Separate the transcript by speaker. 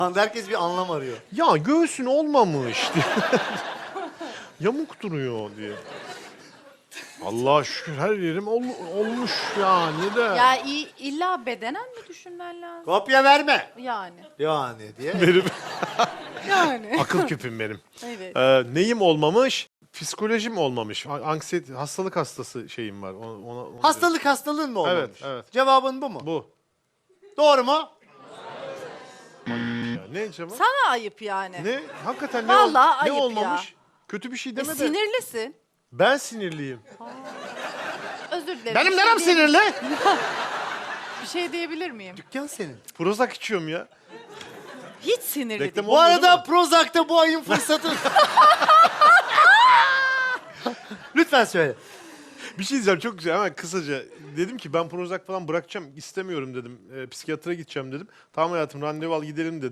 Speaker 1: Herkes bir anlam arıyor.
Speaker 2: Ya göğsün olmamış diye. Yamuk duruyor diye. Allah'a şükür her yerim olmuş yani de.
Speaker 3: Ya illa bedenen mi düşünmen lazım?
Speaker 1: Kopya verme.
Speaker 3: Yani.
Speaker 1: Yani diye.
Speaker 2: Benim
Speaker 3: Yani.
Speaker 2: akıl küpüm benim.
Speaker 3: Evet.
Speaker 2: Neyim olmamış? Psikolojim olmamış. Anksiyete, hastalık hastası şeyim var.
Speaker 1: Hastalığın mı olmamış?
Speaker 2: Evet, evet.
Speaker 1: Cevabın bu mu?
Speaker 2: Bu.
Speaker 1: Doğru mu?
Speaker 2: Ya, ne cevap?
Speaker 3: Sana ayıp yani.
Speaker 2: Ne? Hakikaten ne,
Speaker 3: Vallahi
Speaker 2: ne
Speaker 3: ayıp
Speaker 2: olmamış?
Speaker 3: ya.
Speaker 2: Kötü bir şey deme de.
Speaker 3: Sinirlisin.
Speaker 2: Ben sinirliyim.
Speaker 3: Özür dilerim.
Speaker 2: Benim
Speaker 3: Bir şey
Speaker 2: nerem
Speaker 3: diye-
Speaker 2: sinirli?
Speaker 3: Bir şey diyebilir miyim?
Speaker 1: Dükkan senin.
Speaker 2: Prozac içiyorum ya.
Speaker 3: Hiç sinirli
Speaker 2: Reklam
Speaker 3: değil.
Speaker 1: Bu
Speaker 2: olmuyor, değil
Speaker 1: arada
Speaker 2: mi?
Speaker 1: Prozac'ta bu ayın fırsatı. Lütfen söyle.
Speaker 2: Bir şey diyeceğim çok güzel hemen kısaca. Dedim ki ben Prozac falan bırakacağım istemiyorum dedim. Psikiyatra gideceğim dedim. Tamam hayatım randevu al gidelim dedi.